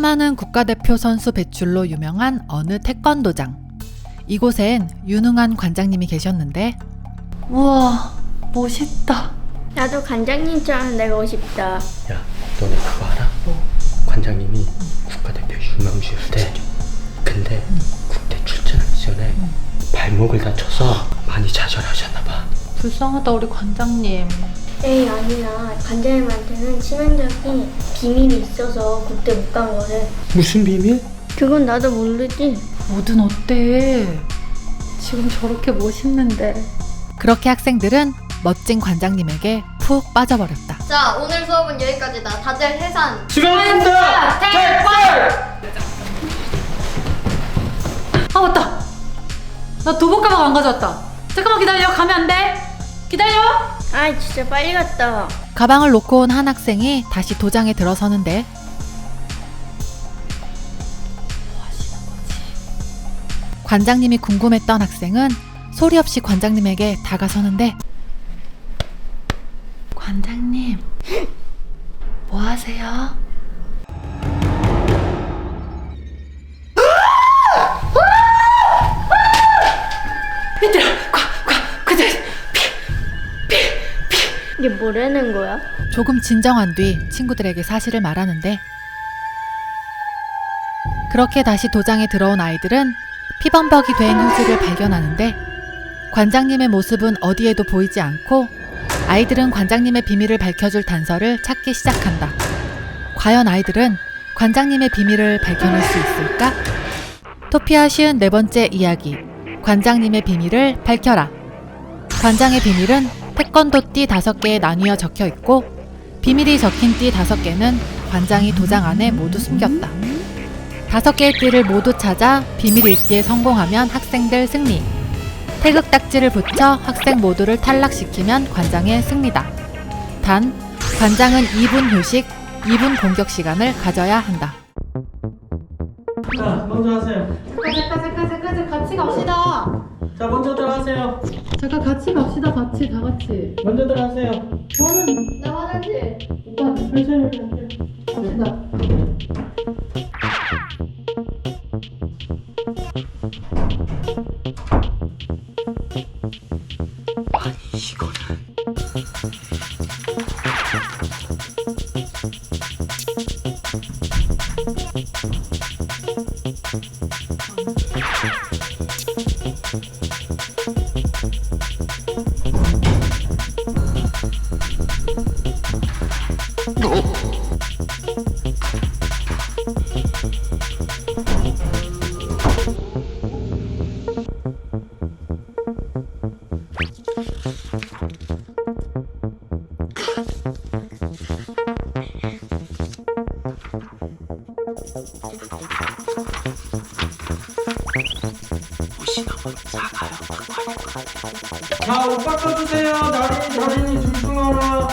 수많은 국가대표 선수 배출로 유명한 어느 태권도장. 이곳엔 유능한 관장님이 계셨는데, 우와, 멋있다. 나도 관장님처럼 되고 싶다. 야, 너네 그거 알아? 관장님이 국가대표 유망주였대. 근데 국대 출전하기 전에 발목을 다쳐서 많이 좌절하셨나봐. 불쌍하다 우리 관장님. 에이 아니야. 관장님한테는 치명적인 비밀이 있어서 국대 못 간 거래. 무슨 비밀? 그건 나도 모르지. 뭐든 어때? 지금 저렇게 멋있는데. 그렇게 학생들은 멋진 관장님에게 푹 빠져버렸다. 자, 오늘 수업은 여기까지다. 다들 해산. 수고하셨습니다! 탈출! 아 맞다. 나 도복 가방 안 가져왔다. 잠깐만 기다려. 가면 안 돼. 기다려. 아이 진짜 빨리 갔다. 가방을 놓고 온 한 학생이 다시 도장에 들어서는데, 뭐 하시는 거지? 관장님이 궁금했던 학생은 소리 없이 관장님에게 다가서는데, 관장님, 뭐 하세요? 얘들아, 이게 뭐라는 거야? 조금 진정한 뒤 친구들에게 사실을 말하는데, 그렇게 다시 도장에 들어온 아이들은 피범벅이 된 효수를 발견하는데, 관장님의 모습은 어디에도 보이지 않고 아이들은 관장님의 비밀을 밝혀줄 단서를 찾기 시작한다. 과연 아이들은 관장님의 비밀을 밝혀낼 수 있을까? 토피아 54번째 이야기, 관장님의 비밀을 밝혀라. 관장의 비밀은 태권도 띠 5개에 나뉘어 적혀 있고, 비밀이 적힌 띠 5개는 관장이 도장 안에 모두 숨겼다. 5개의 띠를 모두 찾아 비밀 읽기에 성공하면 학생들 승리. 태극딱지를 붙여 학생 모두를 탈락시키면 관장의 승리다. 단, 관장은 2분 휴식, 2분 공격 시간을 가져야 한다. 자, 먼저 하세요. 잠깐 같이 갑시다. 자, 먼저들 하세요. 잠깐 같이 갑시다. 같이 다 같이. 먼저들 하세요. 저는 나 화장실. 오빠 천천히 할게요. 갑시다. 아니, 이거는. 자, 옷 바꿔주세요. 나린이 줄승하라.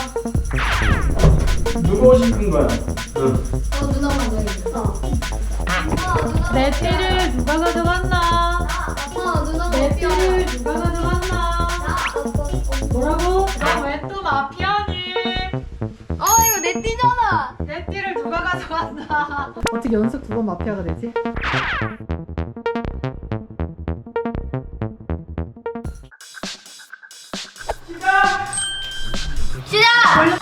누구 옷 입은 거야? 응. 누나 먼저. 내 띠를 누가 가져갔나? 누나 내 마피아. 띠를 누가 가져갔나? 뭐라고? 너 왜 또 마피아니? 이거 내 띠잖아. 내 띠를 누가 가져갔나? 어떻게 연속 2번 마피아가 되지? 시작!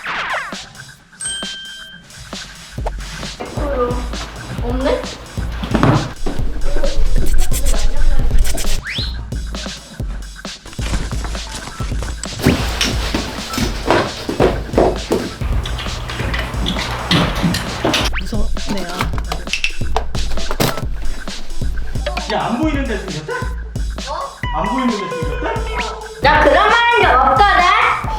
없네? 무섭네요. 야, 안 보이는데 생겼다? 안 보이는데 생겼다? 나 그런 말 한 적 없거든.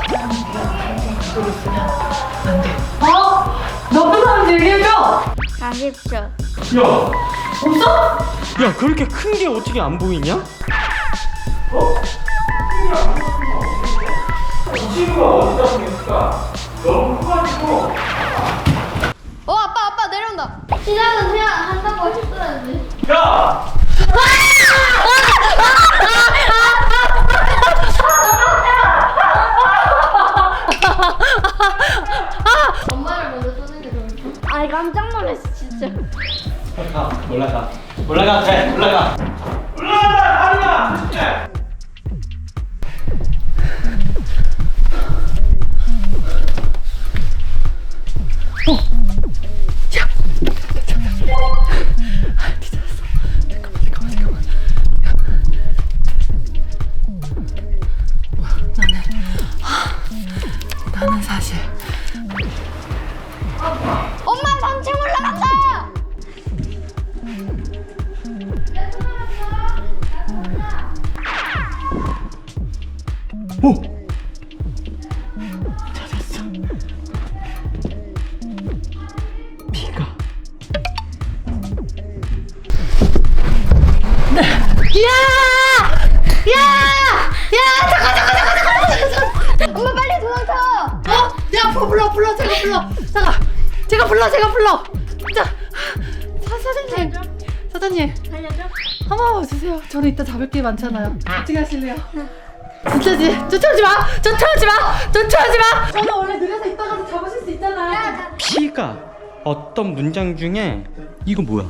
너쁜 사람 얘기해줘! 40초. 야! 없어? 야, 그렇게 큰 게 어떻게 안 보이냐? 이 친구가 어디다 생겼을까? 너무 커가지고. 아빠 내려온다. 시작은 그냥 한다고 했어야지. 야! 엄마를 먼저 쏘는 게 좋을까? 아이 깜짝 놀랐어 진짜. 야, 돼. 올라가. 올라간다 다리야. 그렇지. 나는 사실 엄마 3층 올라간다. 엄마 빨리 도망쳐. 야 불러 제가 불러 자 사장님 살려줘? 한번 와주세요. 저는 이따 잡을 게 많잖아요. 어떻게 하실래요? 진짜지? 쫓아오지 마. 저는 원래 느려서 이따 가서 잡으실 수 있잖아요. 피가 어떤 문장 중에 이거 뭐야?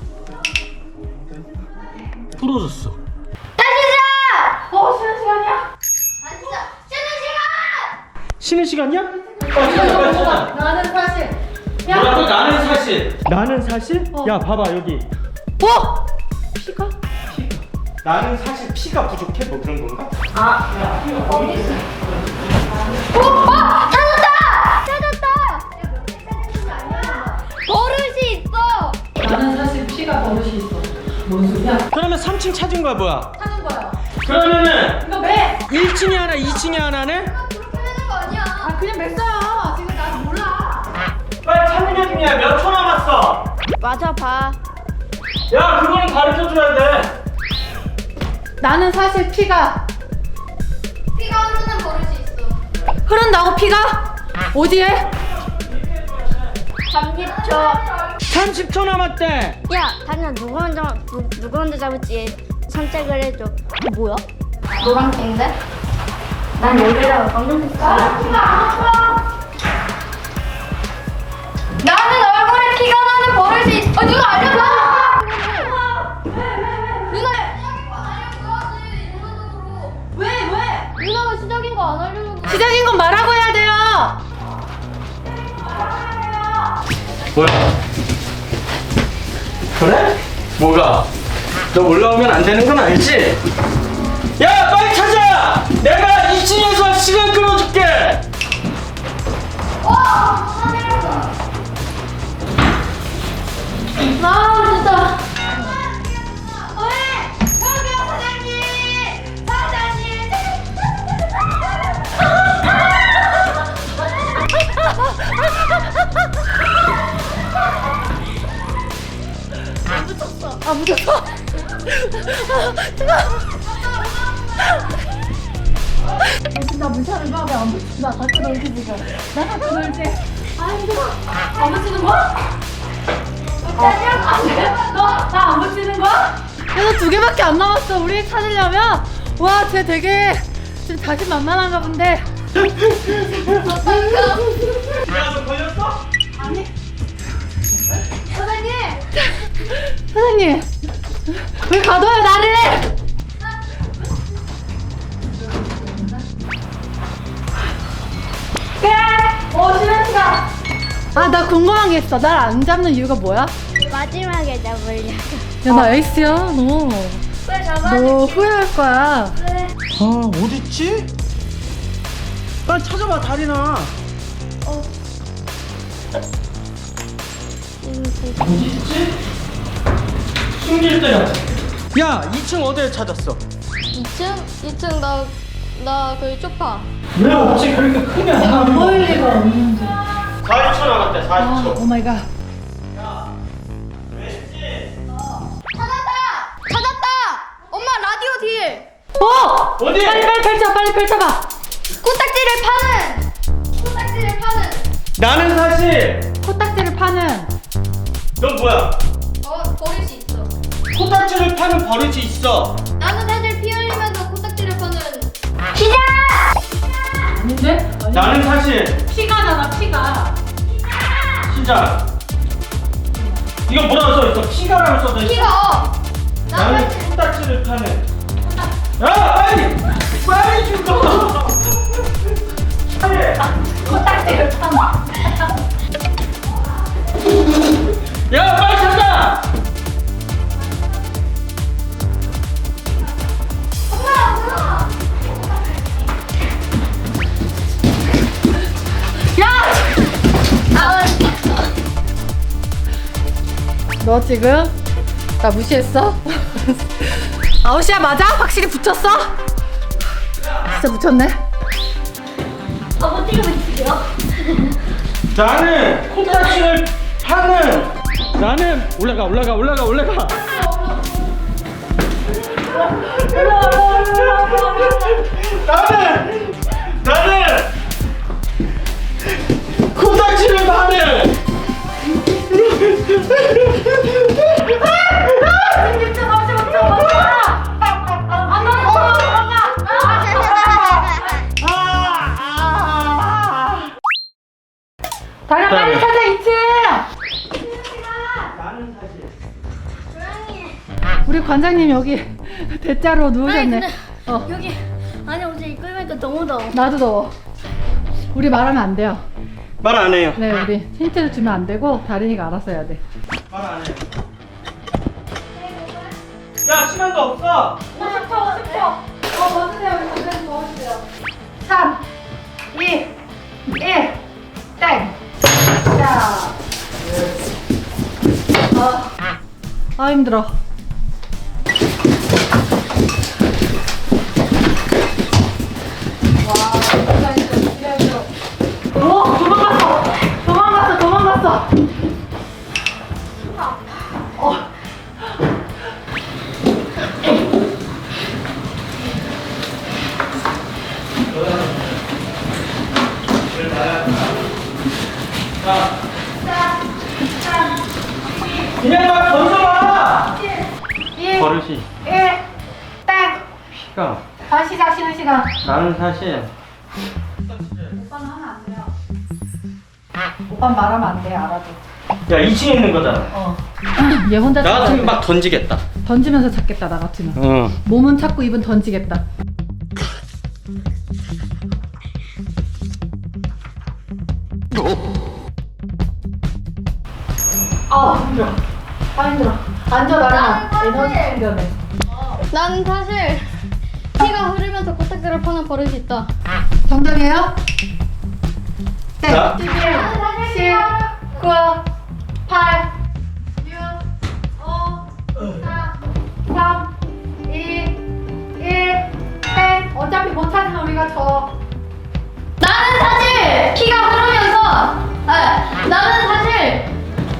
부러졌어. 쉬는 시간이야. 아 진짜 쉬는 시간. 쉬는 시간이야? 찾아. 나는 사실 뭐라고 나는 사실. 나는 사실? 야, 봐봐 여기. 피가? 나는 사실 피가 부족해 뭐 그런 건가? 찾았다. 버릇이 있어. 나는 사실 피가 버릇이 있어. 뭔 소리야? 그러면 3층 찾은 거야 뭐야? 하는 거야. 그러면은 이거 매. 1층에 하나, 2층에 하나네? 그렇게 하는 거 아니야. 그냥 맸어요. 지금 난 몰라. 빨리 찾는 중이야. 몇 초 남았어? 맞아봐. 야 그거는 가르쳐줘야 돼. 나는 사실 피가 피가 흐르는 버릇이 있어. 흐른다고 피가? 어디에? 30초. 30초 남았대. 야, 다니야 누구 먼저 잡을지 선택을 해줘. 뭐야? 노란색인데? 난 여기다가 검정색 나는 얼굴에 피가 나는 버릇이 있어. 누가 알려줘? 왜? 누나가 시작인 거 안 알려주고. 시작인 건 말하고 해야 돼요. 뭐야? 그래? 뭐가? 너 올라오면 안 되는 건 알지? 야 빨리 찾아! 내가 2층에서 시간 끌어줄게! 진짜. 왜? 저기요 사장님. 묻혔어. 나 물차를 봐. 왜안 붙인다. 같이 놀지 지금. 나 같이 놀지. 안 붙이는 거야? 너나 안 붙이는 거야? 그래서 2개밖에 안 남았어. 우리 찾으려면. 와, 쟤 되게 지금 자신만만한가 본데. 야 너 걸렸어? 사장님, 왜 가둬요 나를? 쉬는 시간. 나 궁금한 게 있어. 날 안 잡는 이유가 뭐야? 마지막에 잡으려고. 야, 나 에이스야. 너 왜 잡아줄게? 후회할 거야. 아, 어딨지? 빨리 찾아봐, 다리나. 숨길 때야. 야, 2층 어디에 찾았어? 2층 나 거기 쪽파. 왜 없지? 그렇게 크게 안 나오는 거. 보일 리가 없는데. 40초 남았대 40초. 오 마이 갓. 왠지 찾았다. 엄마 라디오 딜. 어디? 빨리 펼쳐봐. 코딱지를 파는. 나는 사실 코딱지를 파는. 넌 뭐야? 버릇이 있어. 코딱지를 파는 버릇이 있어. 나는 사실 피 흘리면서 코딱지를 파는. 아닌데? 나는 사실 피가잖아, 피가. 시작. 이거 뭐라고 써있어? 피가라고 써져 있어. 피가 나는 코딱지를 파는. 야 빨리 빨리 죽어. 빨리. 코딱지를 파는. 야 빨리 찾아. 너 지금 나 무시했어? 아웃이야 맞아? 확실히 붙였어? 진짜 붙였네. 못 찍으면 나는 코딱지를 파는. 나는 올라가. 나는 코딱지를 파는. 다리야 빨리 찾아 2층. 나는 사실 우리 관장님 여기 대자로 누우셨네. 어 여기 아니 어제 이거 입으니까 너무 더워. 나도 더워. 우리 말하면 안 돼요. 말 안 해요. 네 우리 힌트를 주면 안 되고 다린이가 알아서 해야 돼. 말 안 해요. 야 시간도 없어. 50초. 벗으세요. 우리 관장님 벗으세요. 3, 2, 1, 땡. 자. 아 힘들어. 오 도망갔어. 그냥 막 던져봐. 1, 버릇이 1, 땡. 피가. 다시 시작 쉬는 시간. 나는 사실 오빠는 하면 안 돼요. 오빠는 말하면 안 돼요. 알아도. 야 2층에 있는 거잖아. 어. 얘 혼자 나 찾아야 같으면 돼. 막 던지겠다. 던지면서 찾겠다 나 같으면. 어. 몸은 찾고 입은 던지겠다. 힘들어. 힘들어. 앉아 나랑 에너지 충전해. 난 사실 피가 흐르면서 코딱지를 파는 버릇이 있다. 정답이에요? 네. 자. 11, 10, 9, 8, 6, 5, 4, 3, 2, 1, 10. 어차피 못 찾으면 우리가 져. 나는 사실 피가 흐르면서 나는 사실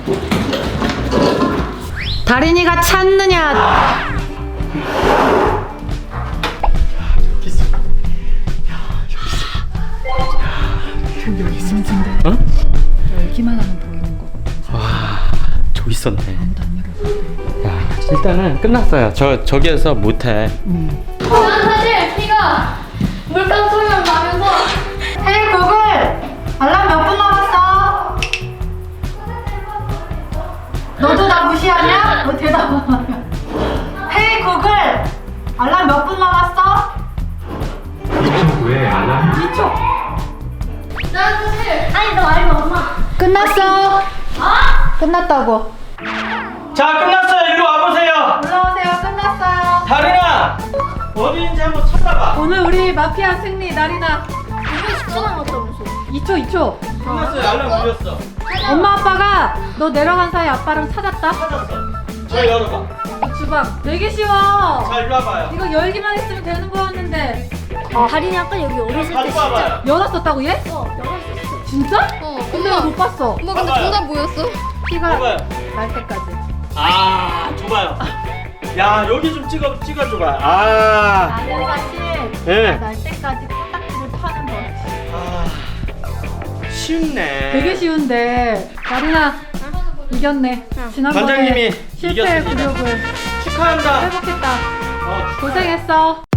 다린이가 찾느냐? 여기 있는데. 어? 열기만 하면 보이는 거. 저기 있었네. 아무도 안 열어줘. 야 일단은 끝났어요. 저기에서 못해. 난 사실 피가 물감 소리만 나면서 헤이 구글! 알람 몇 분 남았어? 너도 나 무시하냐? 너 대답 안 해. 헤이 구글! 알람 몇 분 남았어? 왜 알람? 2초. 난 사실 아니 너 알고 엄마. 끝났어. 끝났다고. 자 끝났어요. 일로 와보세요. 올라오세요. 끝났어요. 다린아 어디인지 한번 찾아봐. 오늘 우리 마피아 승리 나리나. 이거 10초 남았다면서. 2초. 끝났어요. 알람 울렸어. 엄마 아빠가 너 내려간 사이 아빠랑 찾았다. 찾았어. 저 열어봐. 주방 되게 쉬워. 자 일로 와봐요. 이거 열기만 했으면 되는 거였는데. 다린이 아까 여기 어렸을 때 가지고 와봐요. 열었었다고 얘? 열었었어. 진짜? 엄마 근데 왜 못 봤어? 엄마 근데 봐봐요. 정답 뭐였어? 피가 봐봐요. 날 때까지. 아 줘봐요. 야 여기 좀 찍어줘봐. 아. 나는 사실 예. 날 때까지 코딱지를 파는 거. 아 쉽네. 되게 쉬운데 나리나 이겼네. 지난번에 관장님이 실패 이겼습니다. 굴욕을 축하한다. 회복했다. 어, 고생했어.